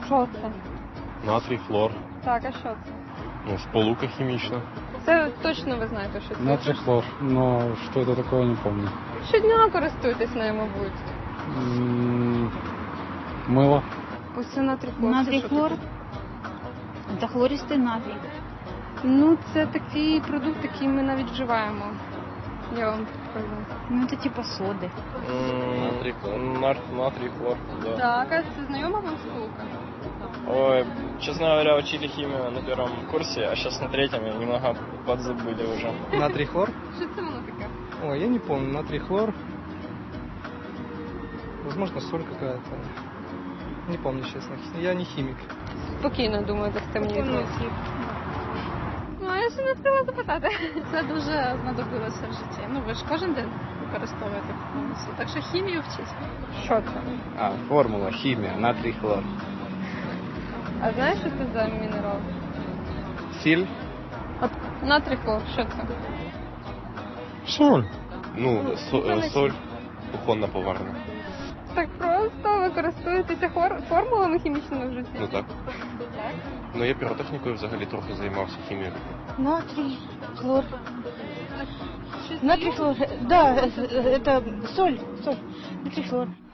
Що це? Натрій, хлор. Так, а що це? Ну, сполука хімічна. Це точно ви знаєте, що це? Натрий хлор, но что это такое, не помню. Щодня користуєтесь нею, мабуть. Мыло. Ось це натрій хлор. Натрий Це що хлор. таке? Це хлористий натрій. Ну, це такий продукт, який ми навіть вживаємо. Я вам покажу. Ну, це типа соди. Натрій, хлор. Натрій, хлор, да. Так, а це знайома вам сполука? Ой, честно говоря, учили химию на первом курсе, а сейчас на третьем и немного подзабыли уже. Натрий хлор? Що це воно таке? Ой, я не помню. Натрий хлор. Возможно, соль какая-то. Не помню, честно. Я не химик. Спокійно, думаю, дасте мені відповідь. Ну, а я ще не встигла запитати. Це дуже знадобилося в житті. Ну, ви ж кожен день використовуєте повністю. Так що хімію вчіть. Що це? Формула, химия, натрий хлор. А знаєш, що це за мінерал? Сіль. От натрій хлор, що це? Соль. Ну, соль, кухонна поварна. Так просто ви користуєтеся формулами хімічними в житті? Ну так. Ну, я піротехнікою взагалі трохи займався хімією. Натрий хлор. Натрий хлор. Да, это соль. Натрий хлор.